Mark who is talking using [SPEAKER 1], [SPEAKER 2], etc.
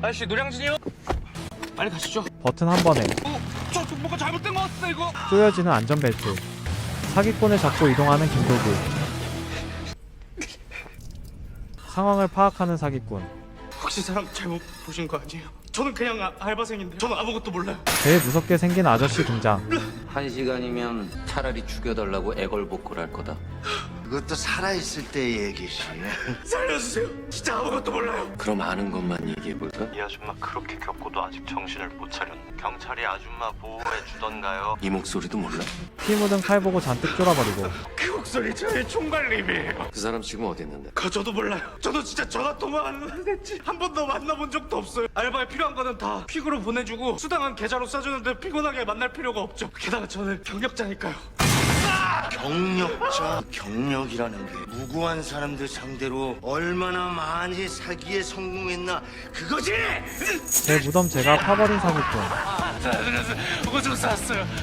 [SPEAKER 1] 아저씨 노량진이요? 빨리 가시죠.
[SPEAKER 2] 버튼 한 번에
[SPEAKER 1] 저 뭐가 잘못된 것 같아 이거.
[SPEAKER 2] 조여지는 안전벨트. 사기꾼을 잡고 이동하는 김도구. 상황을 파악하는 사기꾼.
[SPEAKER 1] 혹시 사람 잘못 보신 거 아니에요? 저는 그냥 알바생인데 저는 아무것도 몰라요.
[SPEAKER 2] 제일 무섭게 생긴 아저씨 등장.
[SPEAKER 3] 1시간이면 차라리 죽여달라고 애걸복걸할 거다.
[SPEAKER 4] 그것도 살아있을 때의 얘기지.
[SPEAKER 1] 살려주세요. 진짜 아무것도 몰라요.
[SPEAKER 3] 그럼 아는 것만 얘기해볼까?
[SPEAKER 5] 이 아줌마 그렇게 겪고도 아직 정신을 못 차렸네. 경찰이 아줌마 보호해 주던가요?
[SPEAKER 3] 이 목소리도 몰라?
[SPEAKER 2] 피 묻은 칼 보고 잔뜩 쫄아버리고.
[SPEAKER 1] 그 목소리 저의 총괄님이에요.
[SPEAKER 3] 그 사람 지금 어디 있는데?
[SPEAKER 1] 저도 몰라요. 저도 진짜 전화 통화하는 했지 한 번도 만나본 적도 없어요. 알바에 필요한 거는 다 퀵으로 보내주고 수당은 계좌로 싸주는데 피곤하게 만날 필요가 없죠. 게다가 저는 경력자니까요.
[SPEAKER 4] 경력자, 경력이라는 게 무고한 사람들 상대로 얼마나 많이 사기에 성공했나 그거지.
[SPEAKER 2] 제 무덤 제가 파버린 사기꾼.
[SPEAKER 1] 오줌 쌌어요.